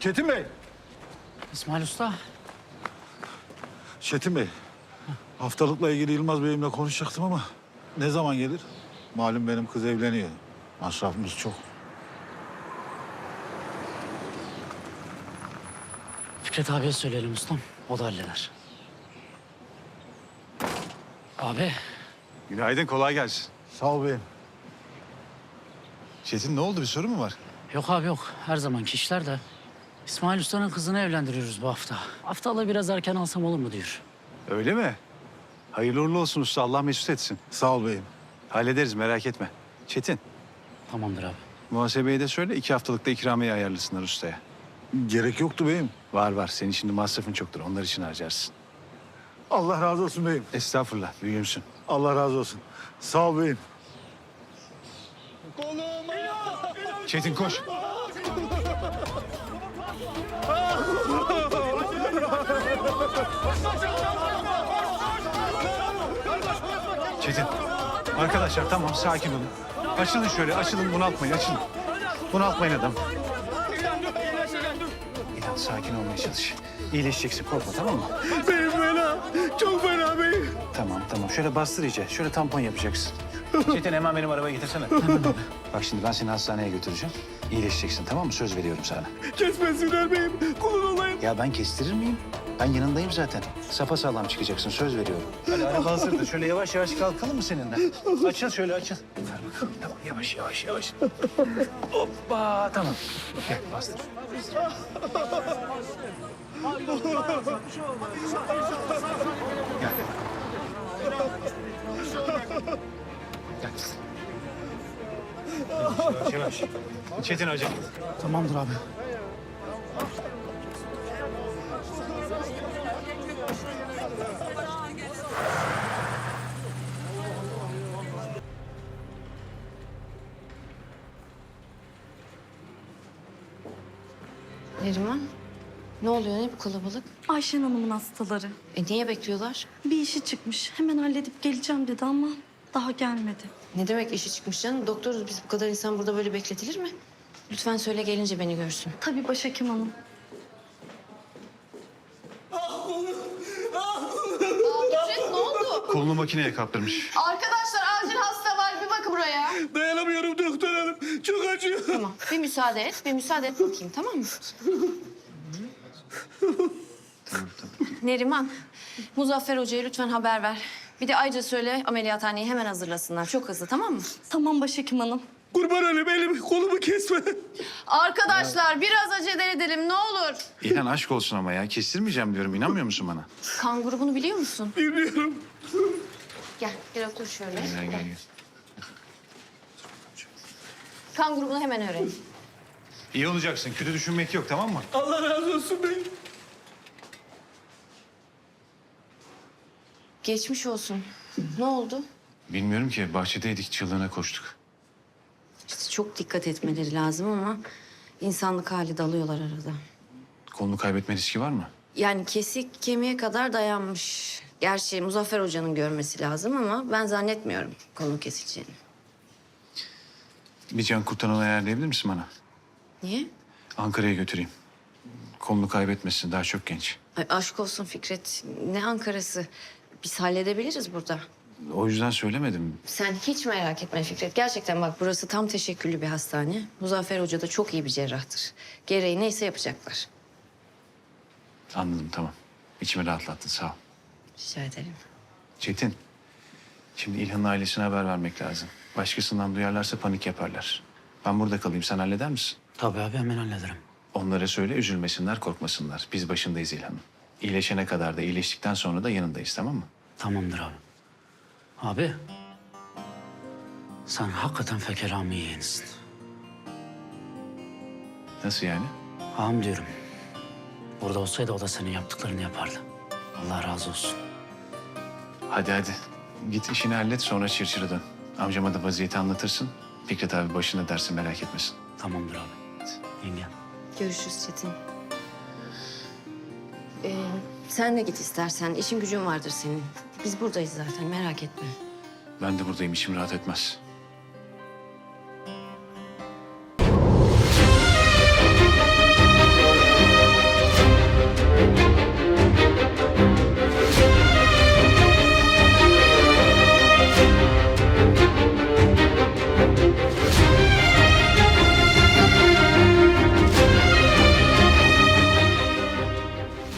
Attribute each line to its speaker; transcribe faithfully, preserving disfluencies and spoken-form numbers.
Speaker 1: Çetin Bey.
Speaker 2: İsmail Usta.
Speaker 1: Çetin Bey. Haftalıkla ilgili Yılmaz Bey'imle konuşacaktım ama ne zaman gelir? Malum benim kız evleniyor. Masrafımız çok.
Speaker 2: Fikret abiye söyleyelim ustam. O da halleder. Abi.
Speaker 3: Günaydın, kolay gelsin.
Speaker 1: Sağ ol beyim.
Speaker 3: Çetin ne oldu, bir sorun mu var?
Speaker 2: Yok abi yok. Her zamanki işler de. İsmail Usta'nın kızını evlendiriyoruz bu hafta. Haftalığı biraz erken alsam olur mu diyor.
Speaker 3: Öyle mi? Hayırlı uğurlu olsun usta, Allah mesut etsin.
Speaker 1: Sağ ol beyim.
Speaker 3: Hallederiz, merak etme. Çetin,
Speaker 2: Tamamdır abi.
Speaker 3: muhasebeye de söyle, iki haftalıkta ikramiye ayarlasınlar ustaya.
Speaker 1: Gerek yoktu beyim.
Speaker 3: Var var, senin şimdi masrafın çoktur, onlar için harcarsın.
Speaker 1: Allah razı olsun beyim.
Speaker 3: Estağfurullah, büyüğümsün.
Speaker 1: Allah razı olsun. Sağ ol beyim.
Speaker 3: Çetin koş. Çetin, arkadaşlar tamam, sakin olun. Açılın şöyle, açılın, bunaltmayın, açılın. Bunaltmayın adam. İlhan, sakin olmaya çalış. İyileşeceksin, korkma, tamam mı?
Speaker 4: Beyim fena. Çok fena beyim.
Speaker 3: Tamam, tamam. Şöyle bastır iyice. Şöyle tampon yapacaksın. Çetin, hemen benim arabaya getirsene. Bak şimdi ben seni hastaneye götüreceğim. İyileşeceksin, tamam mı? Söz veriyorum sana.
Speaker 4: Kesmesinler beyim. Kulun olayım.
Speaker 3: Ya ben kestirir miyim? Ben yanındayım zaten. Sapasağlam çıkacaksın, söz veriyorum. Hadi araba hazırdır. Şöyle yavaş yavaş kalkalım mı seninle? Açıl şöyle, açıl. Ver bakalım. Tamam, yavaş yavaş yavaş. Hoppa, tamam. Gel, bastır. Gel. Gel. Yavaş yavaş. Çetin hocam.
Speaker 2: Tamamdır abi.
Speaker 5: Neriman, ne oluyor? Ne bu kalabalık?
Speaker 6: Ayşen Hanım'ın hastaları.
Speaker 5: E niye bekliyorlar?
Speaker 6: Bir işi çıkmış. Hemen halledip geleceğim dedi ama daha gelmedi.
Speaker 5: Ne demek işi çıkmış canım? Doktoruz biz, bu kadar insan burada böyle bekletilir mi? Lütfen söyle, gelince beni görsün.
Speaker 6: Tabii başhekim hanım.
Speaker 5: Fikret, ne oldu?
Speaker 3: Kolunu makineye kaptırmış.
Speaker 5: Arkadaşlar acil hasta var, bir bakın buraya.
Speaker 4: Dayanamıyorum doktor hanım. Çok acıyor.
Speaker 5: Tamam, bir müsaade et, bir müsaade et bakayım, tamam mı? Neriman, Muzaffer Hoca'ya lütfen haber ver. Bir de ayrıca söyle, ameliyathaneyi hemen hazırlasınlar. Çok hızlı, tamam mı?
Speaker 6: Tamam başhekim hanım.
Speaker 4: Kurban olayım, elimi kolumu kesme.
Speaker 5: Arkadaşlar biraz acele edelim, ne olur.
Speaker 3: İlhan aşk olsun ama ya. Kestirmeyeceğim diyorum. İnanmıyor musun bana?
Speaker 5: Kan grubunu biliyor musun?
Speaker 4: Bilmiyorum.
Speaker 5: Gel, gel otur şöyle.
Speaker 3: Gel gel gel.
Speaker 5: Kan grubunu hemen öğren.
Speaker 3: İyi olacaksın. Kötü düşünmek yok, tamam mı?
Speaker 4: Allah razı olsun beyim.
Speaker 5: Geçmiş olsun. Ne oldu?
Speaker 3: Bilmiyorum ki. Bahçedeydik, çığlığına koştuk.
Speaker 5: İşte çok dikkat etmeleri lazım ama insanlık hali dalıyorlar arada.
Speaker 3: Kolunu kaybetme riski var mı?
Speaker 5: Yani kesik kemiğe kadar dayanmış. Gerçi Muzaffer Hoca'nın görmesi lazım ama ben zannetmiyorum konu kesileceğini.
Speaker 3: Bir can kurtaran ayarlayabilir misin bana?
Speaker 5: Niye?
Speaker 3: Ankara'ya götüreyim. Kolunu kaybetmesin, daha çok genç.
Speaker 5: Ay aşk olsun Fikret. Ne Ankara'sı? Biz halledebiliriz burada.
Speaker 3: O yüzden söylemedim.
Speaker 5: Sen hiç merak etme Fikret. Gerçekten bak burası tam teşekküllü bir hastane. Muzaffer Hoca da çok iyi bir cerrahtır. Gereği neyse yapacaklar.
Speaker 3: Anladım, tamam. İçimi rahatlattın, sağ ol.
Speaker 5: Rica ederim.
Speaker 3: Çetin, şimdi İlhan'ın ailesine haber vermek lazım. Başkasından duyarlarsa panik yaparlar. Ben burada kalayım, sen halleder misin?
Speaker 2: Tabii abi hemen hallederim.
Speaker 3: Onlara söyle, üzülmesinler, korkmasınlar. Biz başındayız İlhan'ın. İyileşene kadar da, iyileştikten sonra da yanındayız, tamam mı?
Speaker 2: Tamamdır abi. Abi. Sen hakikaten fekerami yeğensin.
Speaker 3: Nasıl yani?
Speaker 2: Ağam diyorum. Burada olsaydı o da senin yaptıklarını yapardı. Allah razı olsun.
Speaker 3: Hadi hadi. Git işini hallet, sonra çırçırı dön. Amcama da vaziyeti anlatırsın. Fikret abi başında dersin, merak etmesin.
Speaker 2: Tamamdır abi. Yengem.
Speaker 5: Görüşürüz Çetin. Ee, sen de git istersen. İşin gücün vardır senin. Biz buradayız zaten, merak etme.
Speaker 3: Ben de buradayım, içim rahat etmez.